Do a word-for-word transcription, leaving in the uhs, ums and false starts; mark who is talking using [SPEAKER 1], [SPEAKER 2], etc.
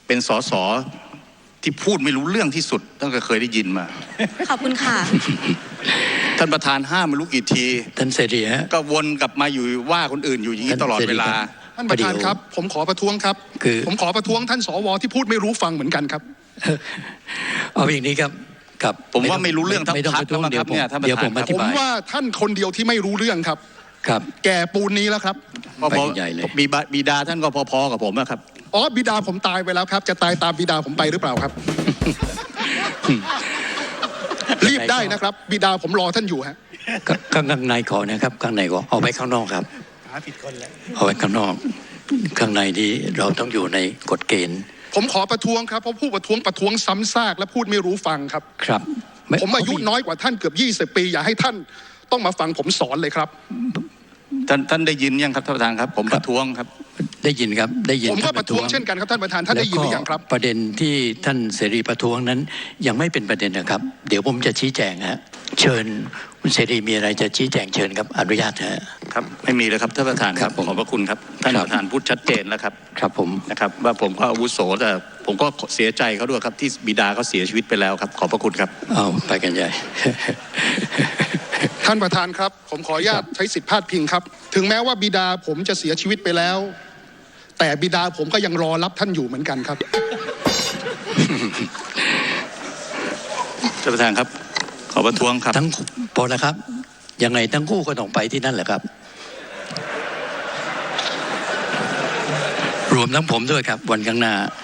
[SPEAKER 1] เป็นสสที่พูดไม่รู้เรื่องที่สุดตั้งแต่เคยได้ยินมา
[SPEAKER 2] ขอบคุณค่ะ
[SPEAKER 1] ท่านประธานห้ามไม่รู้กี่ที
[SPEAKER 3] ท่านเสรีฮะ
[SPEAKER 1] ก็วนกลับมาอยู่ว่าคนอื่นอยู่อย่างนี้ตลอดเวลา
[SPEAKER 4] ท่านประธานครับผมขอประท้วงครับคือผมขอประท้วงท่านสวที่พูดไม่รู้ฟังเหมือนกันครับ
[SPEAKER 3] เอาอย่างนี้ครับครับ
[SPEAKER 1] ผมว่าไม่รู้เรื่องทั้งพรรค
[SPEAKER 3] เดี๋ยวผมเดี๋ยวผมอธิบาย
[SPEAKER 4] ผมว่าท่านคนเดียวที่ไม่รู้เรื่องครับ
[SPEAKER 3] ครับ
[SPEAKER 4] แก่ปูนนี้แล้วครับ
[SPEAKER 1] พอๆบิดาท่านก็พอๆกับผมนะครับ
[SPEAKER 4] อ๋อบิดาผมตายไปแล้วครับจะตายตามบิดาผมไปหรือเปล่าครับรีบได้นะครับบิดาผมรอท่านอยู่ฮะ
[SPEAKER 3] ข้างในขอนะครับข้างในก็เอาไว้ข้างนอกครับหาผิดคนแล้วเอาไว้ข้างนอกข้างในนี้เราต้องอยู่ในกฎเกณฑ์
[SPEAKER 4] ผมขอประท้วงครับเพราะผู้ประท้วงประท้วงซ้ำซากและพูดไม่รู้ฟังครับ
[SPEAKER 3] ครับ
[SPEAKER 4] ผมอายุน้อยกว่าท่านเกือบยี่สิบปีอย่าให้ท่านต้องมาฟังผมสอนเลยครับ
[SPEAKER 1] ท่านท่านได้ยินยังครับท่านประธานครับผมประท้วงครับ
[SPEAKER 3] ได้ยินครับได้ยิน
[SPEAKER 4] ผมก็ประท้วงเช่นกันครับท่านประธานท่านได้ยินหรือยังครับ
[SPEAKER 3] ประเด็นที่ท่านเสรีประท้วงนั้นยังไม่เป็นประเด็นนะครับเดี๋ยวผมจะชี้แจงฮะเชิญคุณเสรีมีอะไรจะชี้แจงเชิญครับอนุญาตฮะ
[SPEAKER 1] ครับไม่มีเลยครับท่านประธานครับขอบพระคุณครับท่านประธานพูดชัดเจนแล้วครับ
[SPEAKER 3] ครับผม
[SPEAKER 1] นะครับว่าผมก็อาวุโสแต่ผมก็เสียใจเขาด้วยครับที่บิดาเขาเสียชีวิตไปแล้วครับขอบพระคุณครับ
[SPEAKER 3] เอาไปกันใหญ่
[SPEAKER 4] ท่านประธานครับผมขออนุญาตใช้สิทธิพาดพิงครับถึงแม้ว่าบิดาผมจะเสียชีวิตไปแล้วแต่บิดาผมก็ยังรอรับท่านอยู่เหมือนกันครับ
[SPEAKER 1] ท่านประธานครับขอประท้วงครับ
[SPEAKER 3] ทั้งพอแล้วครับยังไงทั้งคู่ก็ต้องไปที่นั่นแหละครับรวมทั้งผมด้วยครับวันข้างหน้า